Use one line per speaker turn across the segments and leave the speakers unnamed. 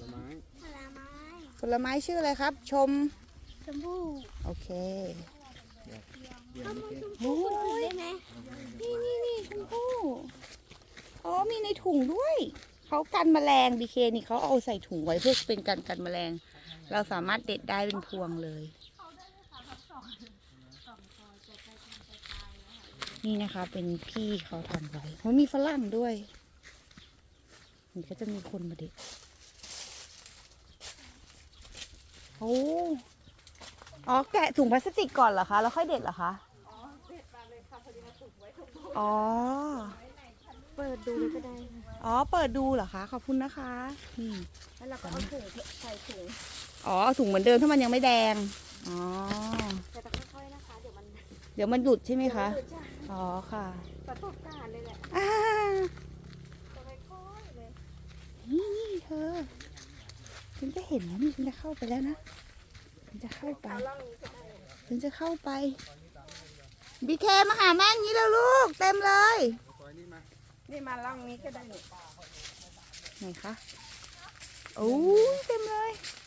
ลไม้
ผลไม้
ผลไม้ชื่ออะไรครับชม
พู่
โอเค
เดี๋ยวนี้
โอ้ย
ได้ไหม
นี่ชมพู่อ๋อมีในถุงด้วยเขากันแมลงบีเคนี่เขาเอาใส่ถุงไว้เพื่อเป็นการกันแมลงเราสามารถเด็ดได้เป็นพวงเลยนี่นะคะเป็นพี่เขาทำไว้มันมีฝรั่งด้วยนี่ก็จะมีคนมาเด็ดโอ้อ๋อแกะถุงพลาสติกก่อนเหรอคะแล้วค่อยเด็ดเหรอคะอ๋อเด็ดมาเลยค่ะพอดีมาถุงไว้ถุงอ๋อ
เปิดดูเลยก็ได้
อ๋อเปิดดูเหรอคะขอบคุณนะคะนี่
แล้วเราก็เอาถุงใส่ถุง
อ๋อถุงเหมือนเดิมถ้ามันยังไม่แดงอ๋อ
แต่ต้องค่อยๆนะคะเดี๋ยว
มันหลุดใช่ไหมคะอ๋อค่ะ
ประสบการณ์เลยแหละต้องค่อยๆเลย
นี่เธอฉันจะเห็นแล้วนี่ฉันจะเข้าไปแล้วนะฉันจะเข้าไปบีเคมาหาแม่งี้แล้วลูกเต็มเลย
นี่มาล่องนี้ก็ได้
ไหนคะโอ้เต็มเลย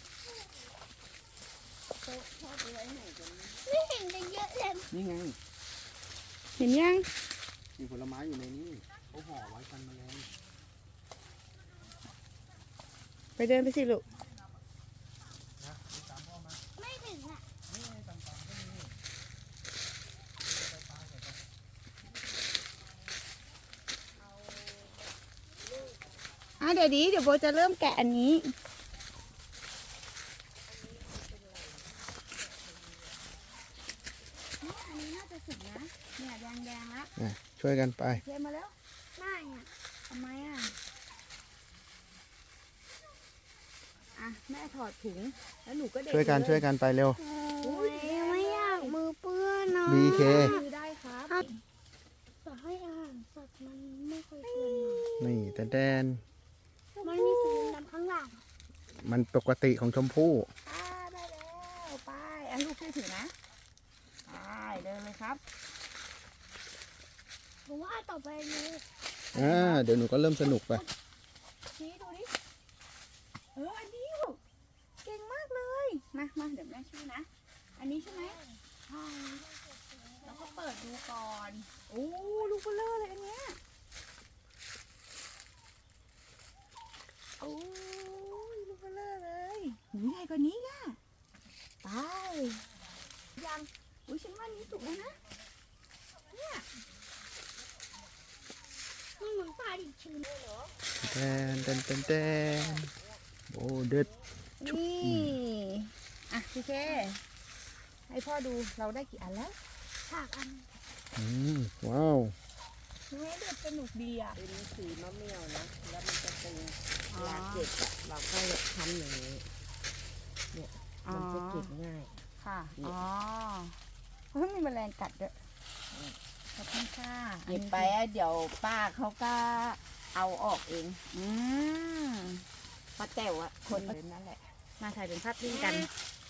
ไม่เห็นกันเยอะเลย
นี่ไง
เห็นยัง
มีผลไม้อยู่ในนี้เขาห่อไว้กันแมลง
ไปเดินไปสิลูก
ไม่ถึงอ่ะ
เดี๋ยวโบจะเริ่มแกะอันนี้น่าจะสุกนะเนี่ยแดงแล้ว
ช่วยกันไป
เทมาแล้ว
ไม่อ่ะ
ทำไมแม่ถอดถุงแล้วหนูก็เด็ด
ช่วยกันไปเร็ว
ไม่อยากมือเปื้อนเนาะ
BK
ได้ครับ
ต่อให้อาหารสัตว์มันไม่ค่อยเปื้อน
นี่แดน
มันมีสีดำข้างหลัง
มันปกติของชมพู่
ได้แล้วไปลูกช่วยถือนะไปเดินเลยครับ
ผมว่าต่อไปนี้
เดี๋ยวหนูก็เริ่มสนุกไป
ชี้ดูดิอันนี้ลูกเก่งมากเลยมาเดี๋ยวแม่ช่วยนะอันนี้ใช่ไหมใช่แล้วก็เปิดดูก่อนโอ้ลูกเบลอเลยอันเนี้ยโอ้ยลูกเบลอเลยหูใหญ่กว่านี้อ่ะไปยังฉันว่านี้สุกแล้วนะเนี่ย
มันเหมือนปลาดิบชื้นเลยเหรอ
แดนโอ้เด็ด
นี่พี่เคให้พ่อดูเราได้กี่อันแล้ว
3 อัน
ว้าว
เด็ดสนุกดีอ่ะ
เป็นสีมะเมี่ยวนะแล้วมันจะเป็นเวลาเก็บอะเราก็ทำอย่างนี้เนี่ยมันจะเก็บง่าย
ค่ะเพราะมีแมลงกัดด้วยขอบคุณค่ะ
เก็บไปเดี๋ยวป้าเขาก็เอาออกเองป้าแต๋วคนเดินนั่นแหละ
มาถ่ายเป็นภาพนิ่งกัน